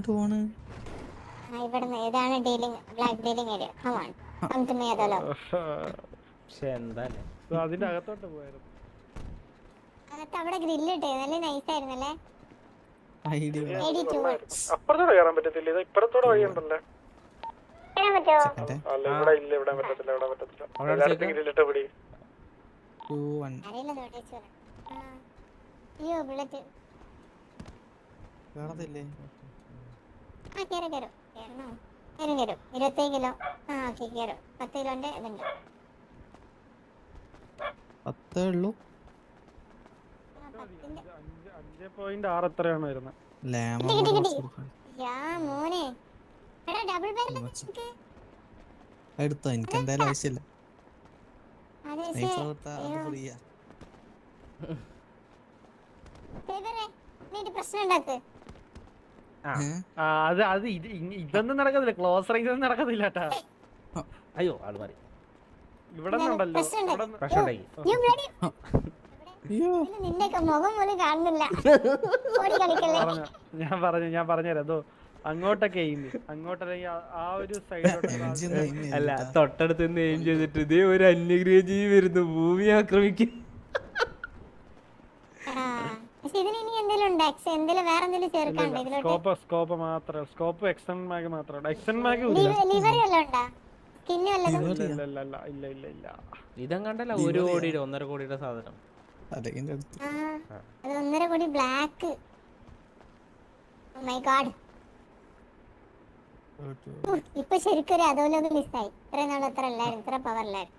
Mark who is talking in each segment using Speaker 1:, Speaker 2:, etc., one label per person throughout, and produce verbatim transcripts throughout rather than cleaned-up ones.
Speaker 1: എങ്ങോട്ട് പോണ്?
Speaker 2: ഇവിടുന്ന് ഏതാണ് dealing black dealing area. Come on come to me അതല്ലോ.
Speaker 3: പക്ഷെ എന്താല്ലേ
Speaker 4: അതിന്റെ അകത്തോട്ട് പോയായിരുന്നു.
Speaker 2: അകത്ത് അവിടെ ഗ്രില്ല് ഇട്ടേ നല്ല നൈസ് ആയിരുന്നല്ലേ.
Speaker 1: ഐഡിയ
Speaker 4: അപ്പുറത്തോടെ കയറാൻ പറ്റത്തില്ല. ഇത് ഇപ്പുറത്തോടെ വഴിയുണ്ടല്ലോ.
Speaker 2: കേറാൻ പറ്റുമോ?
Speaker 4: അല്ല ഇവിടെ ഇല്ല, ഇവിടെ പറ്റത്തില്ല, ഇവിടെ പറ്റത്തില്ല. ഗ്രില്ലിട്ട് പിടി.
Speaker 2: അറിയില്ല നോട്ടീസ് വരാം. അയ്യോ ബുള്ളറ്റ്
Speaker 1: കേറത്തില്ലേ?
Speaker 2: ആ കേറും കേറും കേറണോ? കേറും കേറും. ഇരുപത്തേഴ് കിലോ. ആ ഓക്കെ കേറും. പത്ത് കിലോന്റെ ഇതുണ്ട്.
Speaker 1: പത്തേ ഉള്ളൂ.
Speaker 4: അഞ്ച് പോയിന്റ് ആറ് എത്രയാണ് വരുന്നത്?
Speaker 2: മോനെ എടാ ഡബിൾ ബാരൽ
Speaker 1: എടുത്തോ, എനിക്ക് എന്തായാലും ആവശ്യമില്ല.
Speaker 2: പ്രശ്നം ഉണ്ടാക്ക്.
Speaker 4: അത് അത് ഇതൊന്നും നടക്കത്തില്ല. ക്ലോസ് റേഞ്ച് ഒന്നും നടക്കത്തില്ല കേട്ടാ.
Speaker 3: അയ്യോ ആള് മാറി.
Speaker 4: ഇവിടെ ഉണ്ടല്ലോ
Speaker 3: പ്രശ്നം ഉണ്ടായി.
Speaker 2: നിന്റെ മുഖം പോലും കാണുന്നില്ല.
Speaker 4: ഞാൻ പറഞ്ഞു ഞാൻ പറഞ്ഞുതരാം. അതോ അങ്ങോട്ടൊക്കെ അങ്ങോട്ടല്ലെങ്കിൽ ആ ഒരു സൈഡിലോട്ട്
Speaker 3: അല്ല, തൊട്ടടുത്ത് നിന്ന് എയിം ചെയ്തിട്ട് ഇതേ ഒരു അന്യഗ്രഹ ജീവി വരുന്നു ഭൂമി ആക്രമിക്കും.
Speaker 4: സ്കോപ്പ് സ്കോപ്പ് മാത്രം സ്കോപ്പ് എക്സ്റ്റൻ മാഗ് മാത്രം. എക്സ്റ്റൻ മാഗ് ഇല്ല ഇല്ല ഇല്ല.
Speaker 3: ഇതങ്ങണ്ടല്ല ഒരു കോടിയുടെ ഒന്നര കോടിയുടെ സാധനം.
Speaker 2: ഒന്നര കോടി ബ്ലാക്ക്. My God. ഇപ്പൊ ശരിക്കും അതുപോലെ മിസ്സായി. ഇത്ര നാൾ എത്ര അല്ലായിരുന്നു, ഇത്ര പവർ അല്ലായിരുന്നു.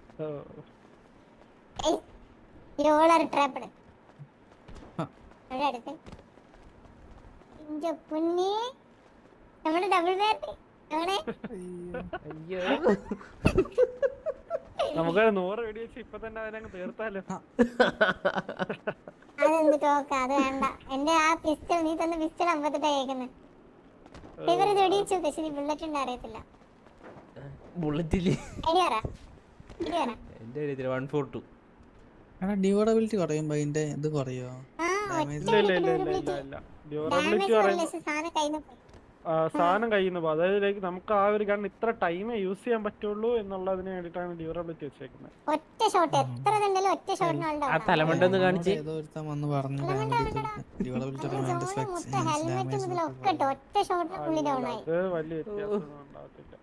Speaker 2: നമ്മുടെ ഡബിൾ ബാറ്റ്
Speaker 4: നമുക്ക് നൂറ് വെടി വെച്ച് ഇപ്പൊ തന്നെ അതിനങ്ങ് തീർത്താലോ.
Speaker 2: അതെന്ത് ടോക്ക, അത് വേണ്ട. എന്റെ ആ പിസ്റ്റൾ നീ തന്നെ പിസ്റ്റൾ അമ്പത്തെട്ടാ കേൾക്കുന്നത്. ഇവര് വെടിവെച്ചു, പക്ഷെ ബുള്ളറ്റ് ഉണ്ട് അറിയത്തില്ല.
Speaker 3: ബുള്ളറ്റില്ലേ
Speaker 1: ഡ്യൂറബിലിറ്റി കുറയുമ്പോ അതിന്റെ ഇത് കുറയോ?
Speaker 4: സാധനം കയ്യിൽ നിന്ന് പോകും. അതായത് നമുക്ക് ആ ഒരു ഗൺ ഇത്ര ടൈമേ യൂസ് ചെയ്യാൻ പറ്റുള്ളൂ എന്നുള്ളതിന് വേണ്ടിട്ടാണ് ഡ്യൂറബിലിറ്റി വെച്ചേക്കുന്നത്.
Speaker 3: ആ തലമണ്ടെന്ന് കാണിച്ച്
Speaker 4: അത് വലിയ വ്യത്യാസമൊന്നും ഉണ്ടാകത്തില്ല.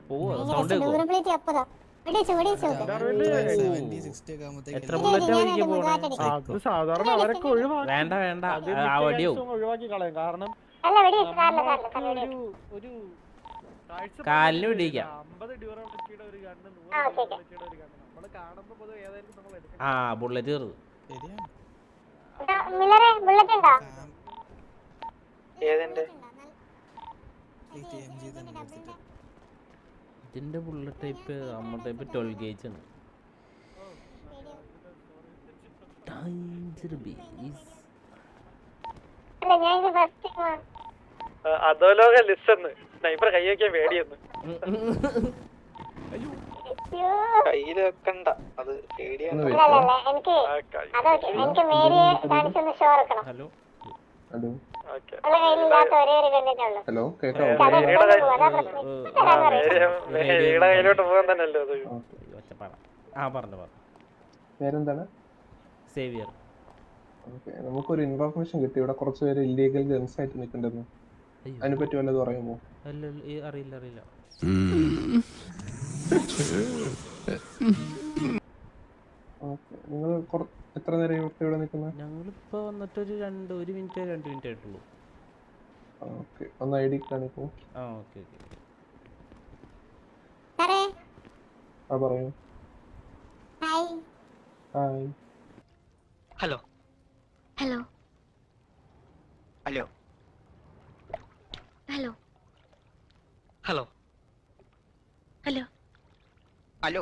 Speaker 4: അത് സാധാരണ അവരൊക്കെ ഒഴിവാക്കി
Speaker 3: വേണ്ട വേണ്ട
Speaker 4: ഒഴിവാക്കി കളയും. കാരണം ഒരു
Speaker 3: കാലിന് പിടിക്കാം.
Speaker 4: അമ്പത് ഡ്യൂറബിലിറ്റിയുടെ ഒരു ഗണ്ണ് നൂറ് ഡ്യൂറബിലിറ്റിയുടെ ഒരു ഗണ്ണ് നമ്മള് കാണുമ്പോ പൊതുവെ ഏതായാലും നമ്മൾ എടുക്കണം.
Speaker 3: ആ ബുള്ളറ്റ് കയറും. ഇതിന്റെ ബുള്ളറ്റ് ടൈപ്പ് നമ്മുടെ ടൈപ്പ് ട്വൽവ് ഗേജ് ആണ്.
Speaker 4: അതോലോക ലിസ്റ്റ് സ്നൈപ്പർ കൈ വയ്ക്കാൻ പേടിയെന്ന്.
Speaker 5: കയ്യില് വെക്കണ്ട, അത് പേടിയാണ്.
Speaker 3: ഹലോ
Speaker 5: ഹലോ
Speaker 4: കയ്യിലോട്ട് പോകാൻ തന്നെയല്ലോ അത്.
Speaker 3: ആ പറഞ്ഞു പറഞ്ഞു.
Speaker 5: പേരെന്താണ്?
Speaker 3: സേവിയർ.
Speaker 5: നമുക്കൊരു ഇൻഫർമേഷൻ കിട്ടി, ഇവിടെ കുറച്ച് പേര് ഇല്ലീഗൽ ഗൺസ് ആയിട്ട് നിൽക്കണ്ടെന്ന്. അതിനെ പറ്റി വല്ലതും അറിയുമോ?
Speaker 3: അറിയില്ല അറിയില്ല.
Speaker 5: നിങ്ങൾ എത്ര നേരം ഇവിടെ നിൽക്കുന്നത്?
Speaker 3: ഞങ്ങളിപ്പോ വന്നിട്ടൊരു രണ്ട് ഒരു മിനിറ്റ് രണ്ട് മിനിറ്റ് ആയിട്ടുള്ളൂ.
Speaker 5: ഓക്കെ, ഒന്ന് ഐ ഡി കാണിക്കൂ.
Speaker 3: ആ ഓക്കെ ഓക്കെ.
Speaker 5: ആ പറയൂ. Hi.
Speaker 6: Hello
Speaker 2: hello
Speaker 6: hello
Speaker 2: hello
Speaker 6: hello
Speaker 2: hello
Speaker 6: hello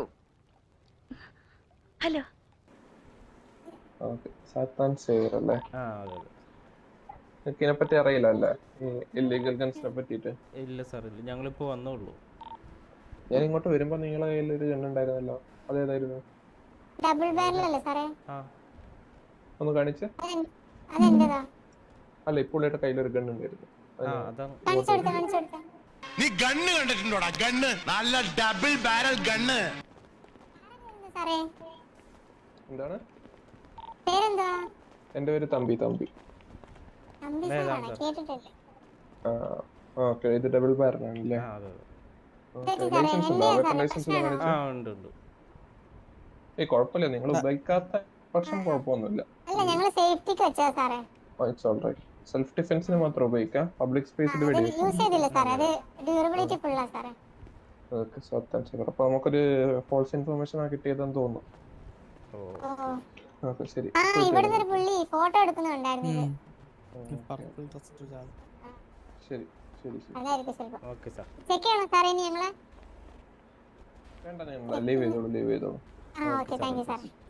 Speaker 2: hello.
Speaker 5: Okay, സാത്താൻ സേവർ അല്ലേ?
Speaker 3: ആ അതെ അതെ.
Speaker 5: നിങ്ങൾക്ക് ഇതിനെപ്പറ്റി അറിയില്ല അല്ലേ, ഈ ഇല്ലീഗൽ ഗൺസിനെ പറ്റിയിട്ട്?
Speaker 3: ഇല്ല സാർ ഇല്ല, ഞങ്ങളിപ്പോ വന്നോളൂ.
Speaker 5: ഞാൻ ഇങ്ങോട്ട് വരുമ്പോ നിങ്ങളെ കയ്യിൽ ഒരു ഗൺ ഉണ്ടായിരുന്നല്ലോ, അതേതായിരുന്നു?
Speaker 2: ഡബിൾ ബാരൽ അല്ലേ സാറേ?
Speaker 3: ആ
Speaker 5: ഒന്ന് കാണിച്ച്.
Speaker 2: അതെന്റേതാ?
Speaker 5: അല്ല, ഇപ്പോൾ കയ്യിൽ ഒരു ഗൺ ഉണ്ടായിരുന്നു.
Speaker 3: ആ അതാണ്
Speaker 2: കാണിച്ചു കൊടുത്ത കാണിച്ചു കൊടുത്ത
Speaker 7: നീ ഗണ്ണ് കണ്ടിട്ടുണ്ടോടാ? ഗണ്ണ് നല്ല ഡബിൾ ബാരൽ ഗണ്ണ്.
Speaker 2: സാറേ
Speaker 5: എന്താണ്?
Speaker 2: പേരെന്താ?
Speaker 5: എന്റെ പേര് തമ്പി തമ്പി.
Speaker 2: തമ്പി സാറാണ്, കേട്ടിട്ടില്ല.
Speaker 5: ഓക്കെ, ഇത് ഡബിൾ ബാരനാണല്ലേ?
Speaker 3: ആ അതെ
Speaker 5: ലൈസൻസ് ഉണ്ടോ? വെപ്പൺ ലൈസൻസ് കാണിച്ചു.
Speaker 3: ആ ഉണ്ട് ഉണ്ട്.
Speaker 5: ഏയ് കുഴപ്പമില്ല, നിങ്ങൾ ഉപയോഗിക്കാത്ത പക്ഷം കുഴപ്പമൊന്നുമില്ല.
Speaker 2: അല്ല ഞങ്ങള് സേഫ്റ്റിക്ക് വെച്ചാ സാറേ.
Speaker 5: It's alright. സെൽഫ് ഡിഫെൻസിന് മാത്രം ഉപയോഗിക്കാം, പബ്ലിക് സ്പേസിൽ
Speaker 2: അത്
Speaker 5: വെടിവെക്കും.
Speaker 2: യൂസ് ചെയ്തില്ല സാറേ, അത് ഡ്യൂറബിലിറ്റി ഫുള്ളാ സാറേ.
Speaker 5: ഓക്കെ, സത്യം. അപ്പൊ നമുക്കൊരു ഫോൾസ് ഇൻഫർമേഷൻ ആ കിട്ടിയതെന്ന് തോന്നുന്നു.
Speaker 3: ഓ
Speaker 2: ഓ
Speaker 5: ഓക്കെ, ശരി.
Speaker 2: ആ ഇവിടുന്ന് ഒരു പുള്ളി ഫോട്ടോ എടുക്കുന്നുണ്ടായിരുന്നു.
Speaker 1: പർപ്പിൾ ഡ്രസ് ഇട്ട ആള്.
Speaker 5: ശരി ശരി ശരി.
Speaker 2: അതായിരിക്കും ചിലപ്പോ.
Speaker 3: Okay sir.
Speaker 2: ചെക്ക് ചെയ്യണോ സാറേ ഇനി ഞങ്ങളെ?
Speaker 5: വേണ്ട, ഞാൻ ലീവ് ചെയ്തോളൂ ലീവ് ചെയ്തോളൂ.
Speaker 2: ആ ഓക്കെ, താങ്ക് യു സാറേ.